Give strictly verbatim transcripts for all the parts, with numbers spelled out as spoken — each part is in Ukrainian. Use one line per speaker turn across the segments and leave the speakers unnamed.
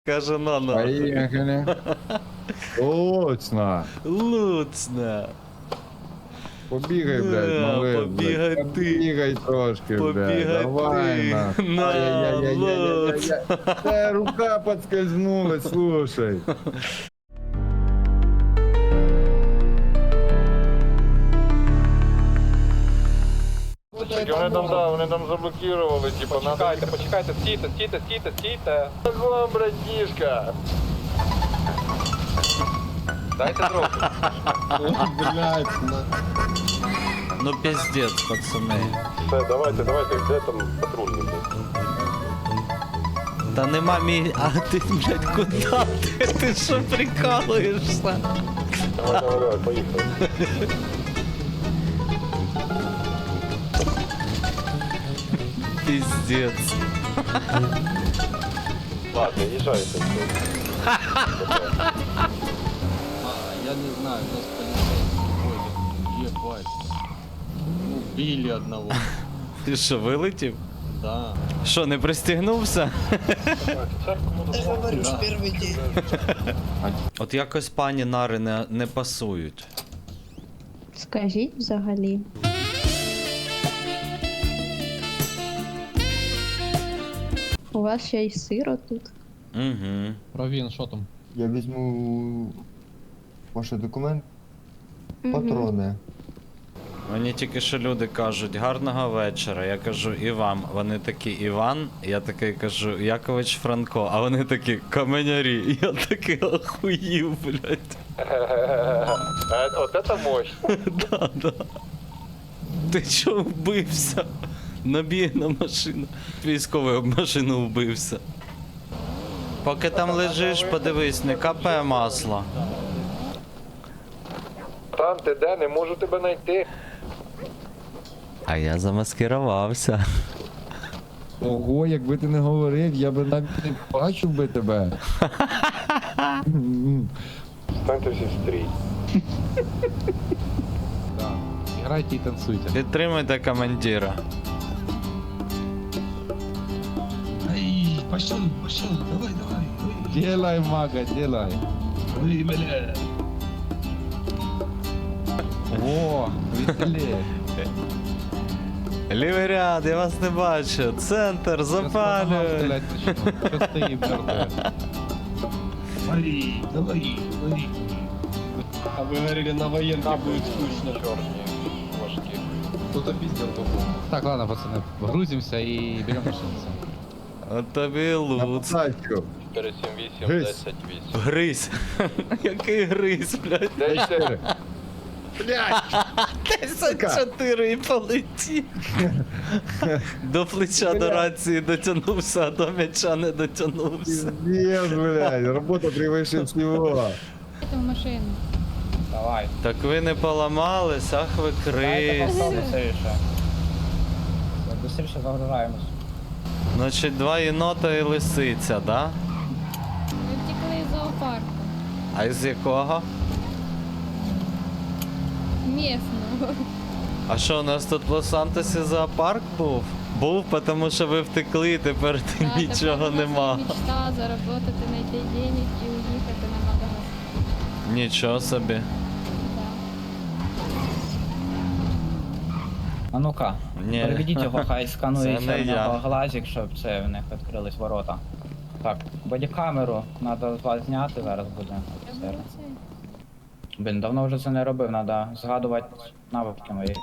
Каже, на на.
Поїхали. Точно.
Луцна.
Побігай, блядь,
Да,
малий.
побігай
блядь.
ти.
Побігай трошки, блядь.
Побігай
Давай,
ти.
на.
На,
Ай-яй-яй-яй-яй-яй. Та рука подскользнулась, слушай.
Вони там, да, вони там заблокували, типа, надо...
Почекайте, почекайте, стійте, стійте, стійте, стійте.
Вам, братішка!
Дайте трохи.
Блядь,
Ну пиздец, пацани.
Все, давайте, давайте, де там патрульний?
Та нема мій. А ти, блядь, куди ти? Ти що прикалуєшся?
Давай, давай, давай, поїхали.
Пиздец.
Ладно, їжджайте.
А, я не знаю, у нас полицейские ходят. Ебать. Убили одного.
Ти що, вилетів?
Да.
Що, не пристігнувся?
Да.
От якось пані нари не, не пасують.
Скажіть взагалі. У вас ще й сиро тут.
Угу.
Равін, що там?
Я візьму ваші документи,
Мгм.
патрони.
Мені тільки що люди кажуть, гарного вечора. Я кажу, і вам. Вони такі, Іван. Я такий кажу, Якович Франко. А вони такі, каменярі. Я такий охуїв, блядь.
От це мощь.
Да, да. Ти чого вбився? Набіг на машину. Військовий об машину вбився. Поки там лежиш, подивись, не капає масло.
Там ти де, не можу тебе знайти.
А я замаскирувався.
Ого, якби ти не говорив, я би навіть не бачив би тебе.
Станьте всі в стрій.
Да. Играйте і танцуйте.
Підтримуйте командира.
Ай, пошел, пошел, давай, давай. Ой,
Делай, мага, делай.
ой, бля.
О, веселее.
Лівий ряд, я вас не бачу. Центр, запалюй.
Що стоїть мертве?
Вали, давай, вали.
А ви говорили, на воєнці буде скучно.
Чорні, важкі.
Кто-то пиздел Так, ладно, пацаны, грузимся и берем машину.
От тобі
На
луц.
посадку.
чотири сім вісім,
Гись.
десять вісім.
Гризь. Який гризь, блядь.
Де ще?
десять чотири і полетів. До плеча до рації дотягнувся, а до м'яча не дотягнувся.
Пиздец, блядь, работа превыше всего.
В машину.
Давай.
Так ви не поламались, ах ви крись.
Быстріше. Быстріше загружаємось.
Значить, два єнота і лисиця, да?
Ми втекли з зоопарку.
А із якого?
Місного.
А що, у нас тут в Лос-Сантосі зоопарк був? Був, тому що ви втекли, і тепер нічого нема.
Мечта заработати, знайти денег і уїхати на Мадагаскар.
Нічого собі.
Да.
А ну-ка,
Ні.
переведіть його, хай сканує
Це не я.
глазик, щоб це в них відкрились ворота. Так, бодікамеру треба з вас зняти, зараз буде.
Я
Все.
була цей.
Блін, давно вже це не робив, треба згадувати навики мої.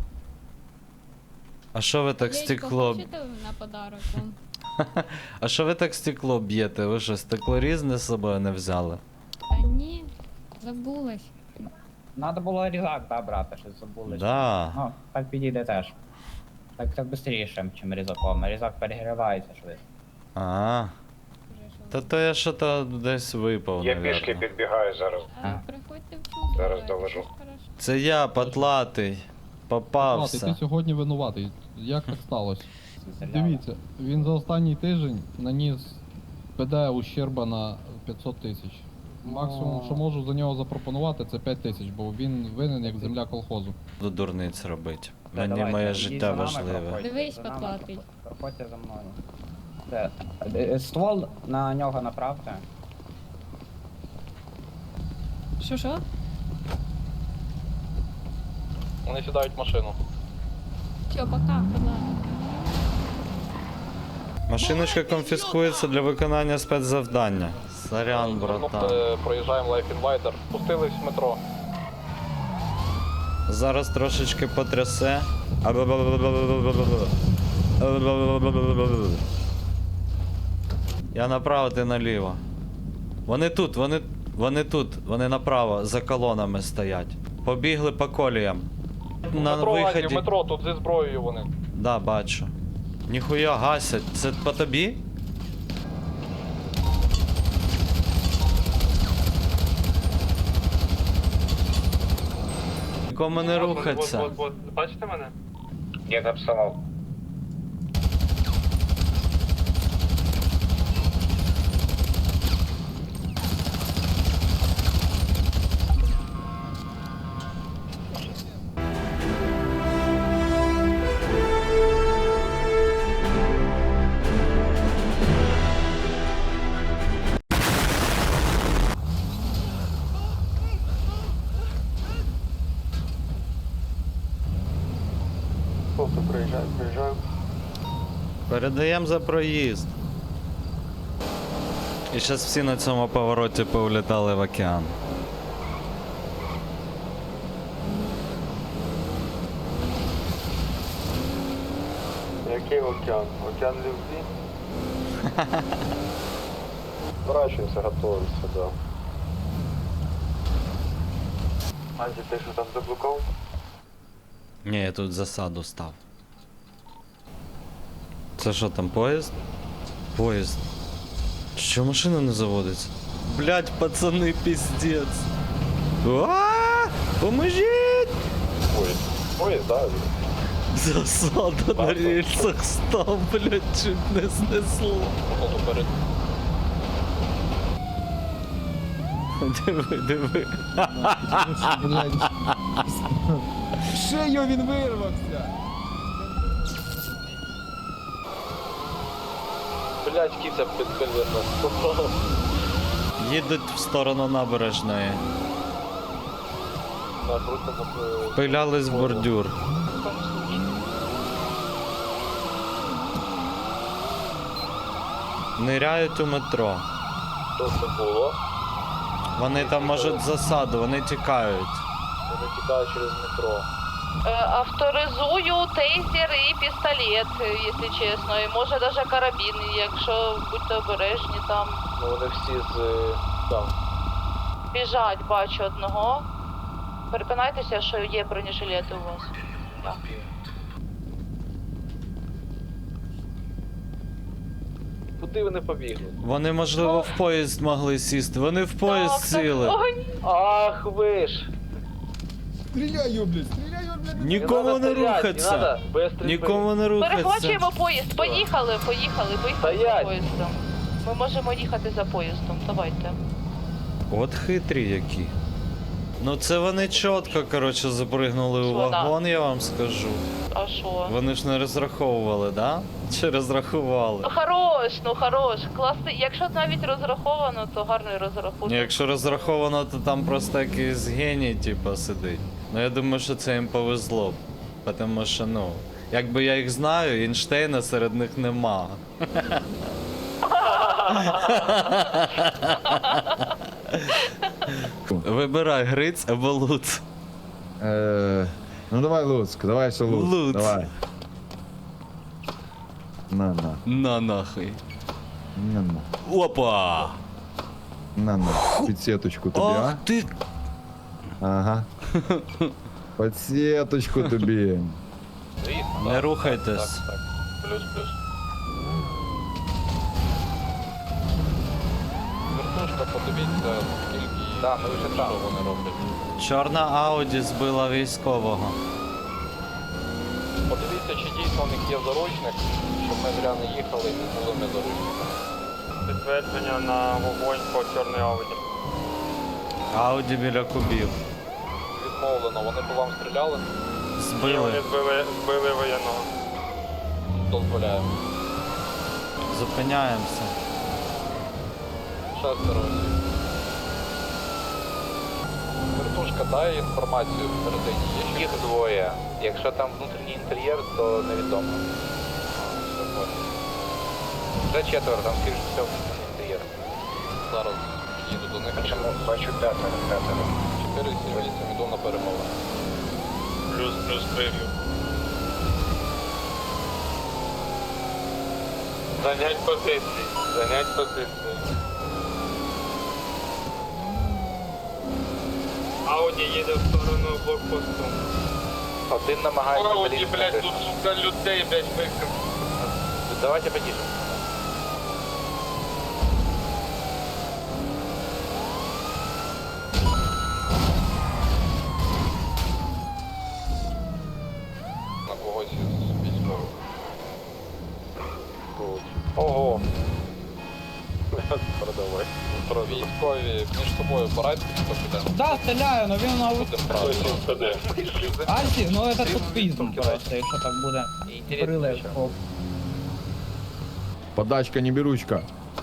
А що ви так
Яєчко
стекло?
хочете на подарок вам?
А що ви так стекло б'єте? Ви що, стекло різне з собою не взяли?
Та ні, забулась.
Треба було різак, да, брати, щось забули.
Да.
Ну, так підійде теж. Так так швидше, ніж різаком. Різак перегрівається швидко.
А.
Вже що.
Та то я що то десь випав,
Я
навірно.
пішки підбігаю зараз.
А,
А.
приходьте в чувство.
Зараз
це
довожу.
хорошо.
Це я, потлатий.
Ладно,
Попався.
ти сьогодні винуватий. Як так сталося? Дивіться, він за останній тиждень наніс ПД ущерба на п'ятсот тисяч. Максимум, що можу за нього запропонувати, це п'ять тисяч, бо він винен як земля колхозу.
До дурниць робить.
Все,
Мені
давайте,
моє
йдіть
життя
за нами,
важливе.
проходьте
Дивись,
за нами,
потлатий.
Проходьте за мною. Це, е, ствол на нього направте.
Що що?
Вони сідають в машину.
Все, пока, ладно.
Машиночка конфіскується для виконання спецзавдання. Сорян, братан.
Проїжджаємо Life Inviter. Спустились в метро.
Зараз трошечки потрясе. Я направо, ти наліво. Вони тут, вони, вони тут, вони направо, за колонами стоять. Побігли по коліям. На виході.
В метро, тут зі зброєю вони.
Да, бачу. Ніхуя гасять. Це по тобі? Нікому не рухаться.
Бачите мене?
Я написав.
Хлопці, приїжджаю, приїжджаю.
Передаємо за проїзд. І зараз всі на цьому повороті повлітали в океан.
Який океан? Океан любві?
Зворачуємося, готуємося, да.
Анді, ти що там заблокував?
Ні, я тут засаду став. Це що там, поїзд? Поїзд. Що машина не заводиться? Блять, пацани, піздець. А, поможіть!
Поїзд. Поїзд, да?
Засада на рельсах став, блять, чуть не знесло. Диви, диви.
Блядь. Шею він вирвався.
Блять, кіця під коліна.
Їдуть в сторону набережної. Пилялись в бордюр. Ниряють у метро.
Що це було?
Вони там можуть засаду, вони тікають.
Вони тікають через метро.
Авторизую тейзер і пістолет, якщо чесно, і може навіть карабін, якщо будьте обережні там.
Ну вони всі з там.
Біжать, бачу одного. Переконайтеся, що є бронежилети у вас. Так.
Куди вони побігли?
Вони, можливо, в поїзд могли сісти. Вони в поїзд
Так, так.
сіли.
Ой,
Ах ви ж!
Стріляю, блядь, стріляю, блядь.
Нікому
надо
не
стрілять,
рухаться.
Не надо, без стрільби.
Нікому не рухаться.
перехвачуємо поїзд. Поїхали, поїхали, поїхали за
Стоять.
поїздом. Ми можемо їхати за поїздом, давайте.
От хитрі які. Ну це вони чітко, коротше, запригнули у
Що, да?
вагон, я вам скажу.
А що?
Вони ж не розраховували, да? Чи розрахували?
Ну хорош, ну хорош. Класний. Якщо навіть розраховано, то гарний розрахунок.
Ні, якщо розраховано, то там просто якийсь геній, типу, сидить. Ну я думаю, що це їм повезло. Тому що, ну, якби я їх знаю, Ейнштейна серед них нема. Вибирай, Гриць або Луц.
Е, ну давай Луцьк, давай ще Луцьк.
Луцьк.
Давай. На, на,
На нахуй.
на, на.
Опа!
На, на. Підсеточку тобі,
Ах
а?
ти!
Ага. Підсеточку тобі.
Звісно,
Не
так,
рухайтесь.
так, так. Плюс-плюс. Вертушка, подивіться, скільки
Да, ми вже там.
що вони роблять.
Чорна Ауді збила військового.
Подивіться, чи дійсно у них є заручник, щоб ми зря не їхали і не були ми заручниками.
Підтвердження на вогонь по чорній ауді.
Ауді біля кубів.
Відмовлено, вони по вам стріляли,
Збили.
збили, збили воєнного.
дозволяємо.
Зупиняємося.
Шестеро осіб. Вертушка, дай інформацію всередині. Є ще
Їх двоє. Якщо там внутрішній інтер'єр, то невідомо. Вже четверо, там скоріше все внутрішній інтер'єр.
зараз їду до них.
Бачу п'ятеро, п'ятеро.
чотири сім вісім іду на перемову.
Плюс, плюс приймів. Занять позиції, занять позиції. Ауді їде в сторону блокпосту. Один намагається Ауді, блядь, тут сука людей, блядь, викрив. Давайте потише.
На когось із військових.
Ого. Продавай.
Про військові між собою порадьте, хто піде.
Да, стріляю, но він на
Будемо правильно.
Альсі, ну это тут пізно просто, якщо так буде. Прилив. О,
Подачка, не беручка.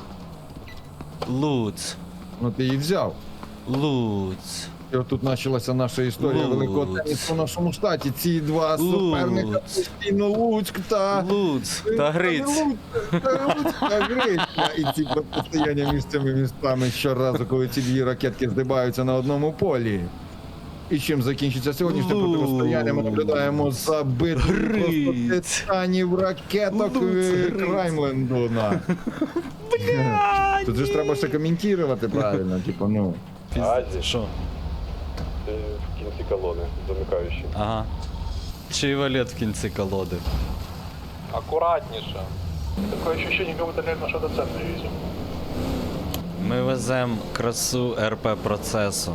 Луц.
Ну ти її взяв.
Луц.
І от тут почалася наша історія
Луц.
великого тенісу в нашому штаті. Ці два
Луц.
суперника постійно Луцьк та...
Луц. Та Гриць.
Луцьк та Луцьк та Грицька. І ці протистояння між цими містами щоразу, коли ці дві ракетки здибаються на одному полі. І чим закінчиться сьогоднішнє
Луц.
протистояння, ми наблюдаємо за битвою
Гриць.
просто титанів ракеток
Луц,
е,
Гриць.
Краймленду. на. Тут же ж треба ще коментувати правильно, типу, ну.
Пізд- Що?
В кінці колони, замикаючий.
Ага. Чий валет в кінці колоди?
Акуратніше.
Таке ощущение, как будто реально что-то ценное везем.
Ми веземо красу РП процесу.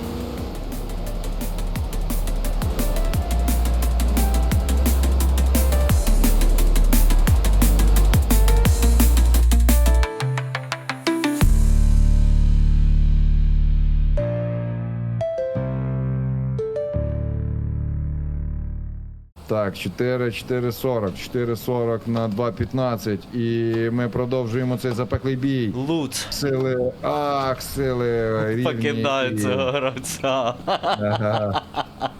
Так, чотири, чотири сорок, чотири сорок на два п'ятнадцять. І ми продовжуємо цей запеклий бій.
Луц.
Сили, ах, сили рівні.
Покидаю
і-
цього гравця.
Ага.